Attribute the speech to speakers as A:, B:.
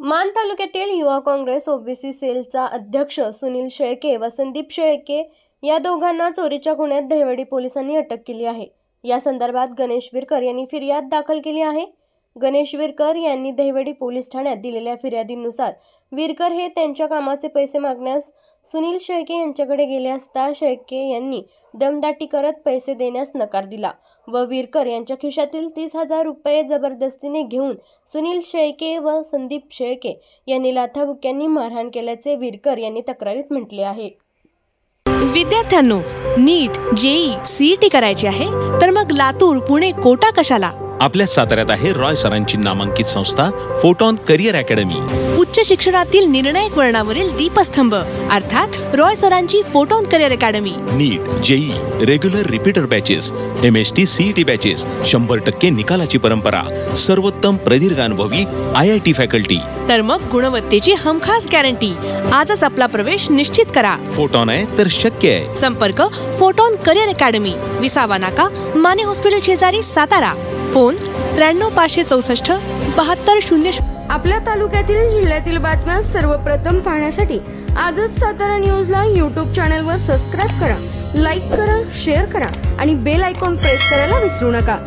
A: मान तालुक्यातील युवा काँग्रेस ओबीसी सेलचा अध्यक्ष सुनील शेळके व संदीप शेळके या दोघांना चोरीच्या गुन्ह्यात दहिवडी पोलिसांनी अटक केली आहे। या संदर्भात गणेश विरकर यांनी फिर्याद दाखल केली आहे। गणेश विरकर यांनी दहिवडी पोलीस ठाण्यात दिलेल्या फिर्यादीनुसार विरकर हे त्यांच्या कामाचे पैसे मागण्यास सुनील शेळके यांच्याकडे गेले असता शेळके यांनी दमदाटी करत पैसे देण्यास नकार दिला व विरकर यांच्या खिशातील 30,000 रुपये जबरदस्तीने घेऊन सुनील शेळके व संदीप शेळके यांनी लाथाबुक्क्यांनी मारहाण केल्याचे विरकर यांनी तक्रारीत म्हटले आहे।
B: विद्यार्थ्यांनो, नीट, जेई, सीईटी करायची आहे तर मग लातूर, पुणे, कोटा कशाला?
C: आपल्या साताऱ्यात आहे रॉय सरांची नामांकित संस्था फोटॉन करिअर अकॅडमी।
B: उच्च शिक्षणातील निर्णायक वळणावरील दीपस्तंभ अर्थात रॉय सरांची photon career academy.
C: NEET, JEE, regular repeater batches, MST CET batches, 100% निकालाची परंपरा, सर्वोत्तम प्रदीर्घ अनुभवी IIT फॅकल्टी।
B: तर मग गुणवत्तेची हमखास गॅरंटी। आजच आपला प्रवेश निश्चित करा।
C: फोटॉन आहे तर शक्य आहे।
B: संपर्क फोटॉन करिअर अकॅडमी, विसावा नाका, माने हॉस्पिटल शेजारी, सातारा। फोन 93 564 7200।
D: आपल्या तालुक्यातील जिल्ह्यातील बातम्या सर्वप्रथम पाहण्यासाठी आजच सातारा न्यूजला YouTube चॅनलवर सबस्क्राईब करा, लाईक करा, शेअर करा आणि बेल आयकॉन प्रेस करायला विसरू नका।